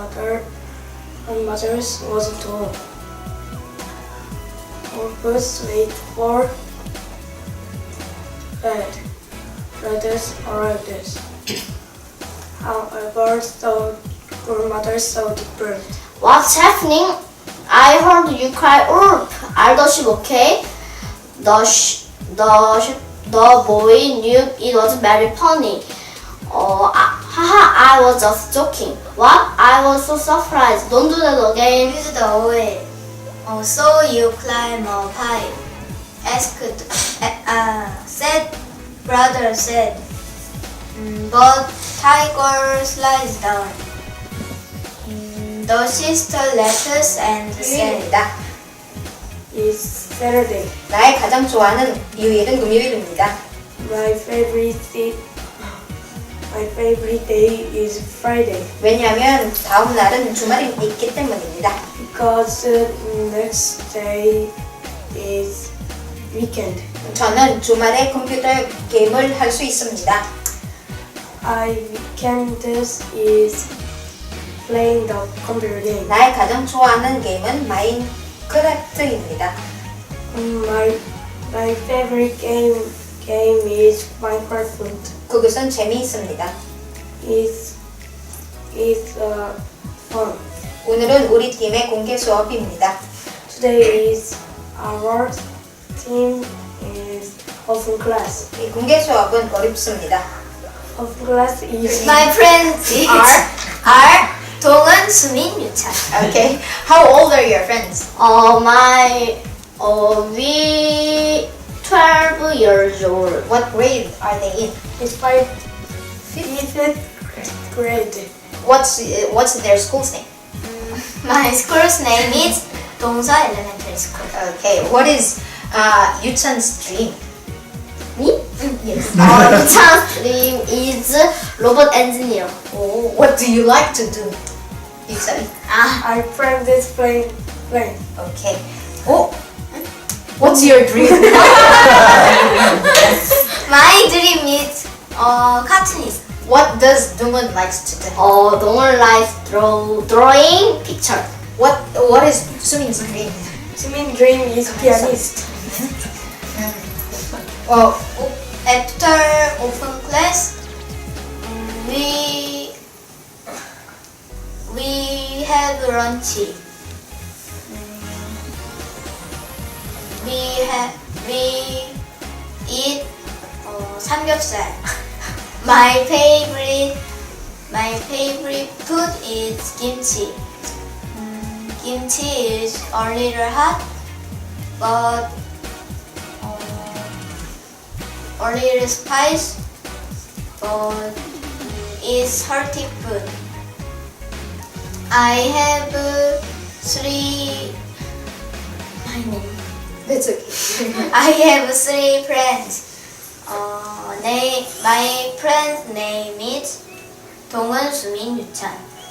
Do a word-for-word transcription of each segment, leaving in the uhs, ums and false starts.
grandmother, grandmother's was tall. Our first wait for bed. Brothers arrived. However, the grandmother saw different. What's happening? I heard you cry Ulf. Are the sheep okay? The sh- the sh- the boy knew it was very funny. Oh, ah, haha! I was just joking. What? I was so surprised. Don't do that again. Use the oil. Oh, so you climb a pipe? Asked. Uh, said. Brother said. "Mm, but tiger slides down. Mm, the sister left us and said. 금요일입니다. It's Saturday. 나의 가장 좋아하는 일요일은 금요일입니다. My favorite day, my favorite day is Friday 왜냐하면 다음 날은 주말이 있기 때문입니다. because uh, next day is weekend. 저는 주말에 컴퓨터 게임을 할 수 있습니다. I weekend is playing the computer game. 나의 가장 좋아하는 게임은 마인크래프트입니다. Um, my my favorite game game is Minecraft. 그것은 재미있습니다. It's it's uh, fun. 오늘은 우리 팀의 공개 수업입니다. Today is our team is open class. 이 공개 수업은 어렵습니다. Open class is My friends are are 동은, 수민, 유찬. Okay. How old are your friends? Uh, my uh, we twelve years old. What grade are they in? it's five fifth grade. What's uh, what's their school's name? My school's name is 동서 Elementary School. Okay. What is uh, Yuchan's dream? Me? Yes. Uh, Yuchan's dream is robot engineer. Oh, what do you like to do? Yuchan. Ah, I practice playing playing. Okay. Oh, what's your dream? my dream is uh, cartoonist. What does Dungun likes to do? Uh, don't like draw drawing picture. What What is Sumin's dream? Jimin dream is pianist. Oh, After open class, mm, we we have lunch. Mm, We have we eat uh, 삼겹살. My favorite my favorite food is kimchi. Mm, kimchi is a little hot, but uh, a little spice, but it's hearty food. I have uh, three. My name. that's okay. I have three friends. Uh, name, my friend's name is 동은, 수민, 유찬.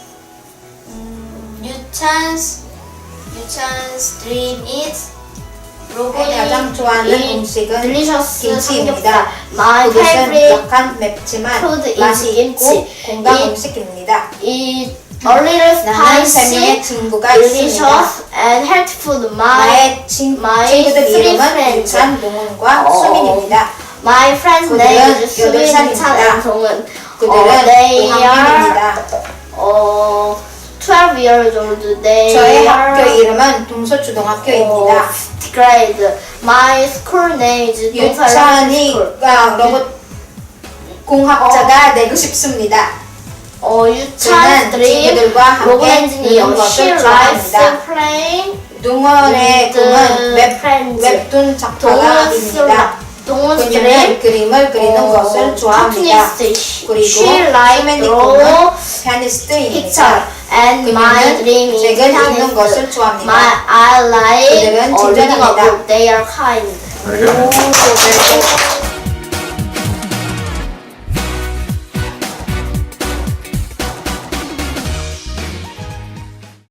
음, 유찬's 유찬's dream is 로봇이 가장 좋아하는 음식은 delicious 김치입니다. My 그것은 favorite 약간 맵지만 food is 맛이 있고 김치. 건강 이- 음식입니다. is a little 나는 세 spicy, 명의 친구가 있습니다. delicious, and healthy food. My 나의 친, my 친구들 three 이름은 friends. 유찬, 동훈과 어. 수민입니다. My friend's 그들은 name is 여덟 수민, 살입니다. 유찬, and 동은. 그들은 어, they are 오학년입니다. 어, twelve years old. They 저의 are 학교 이름은 동서초등학교입니다. 어, grade. My school name is 동서 elementary school. 유찬이가 로봇 공학자가 되고 싶습니다. 어, 저는 유찬's dream 친구들과 로봇 함께 엔지니어. 노는 She 것을 likes 좋아합니다. playing 동원의 with 꿈은 웹, friends. 웹툰 작가입니다. 동훈's 그녀는 dream 그림을 그리는 것을 좋아합니다. cartoonist. 그리고 She likes 수민이 draw 꿈은 picture. 피아니스트입니다. And my 그녀는 dream is 책을 읽는 pianist. 것을 좋아합니다. My I like 그들은 uh, reading a 친절합니다. book. They are kind. 오,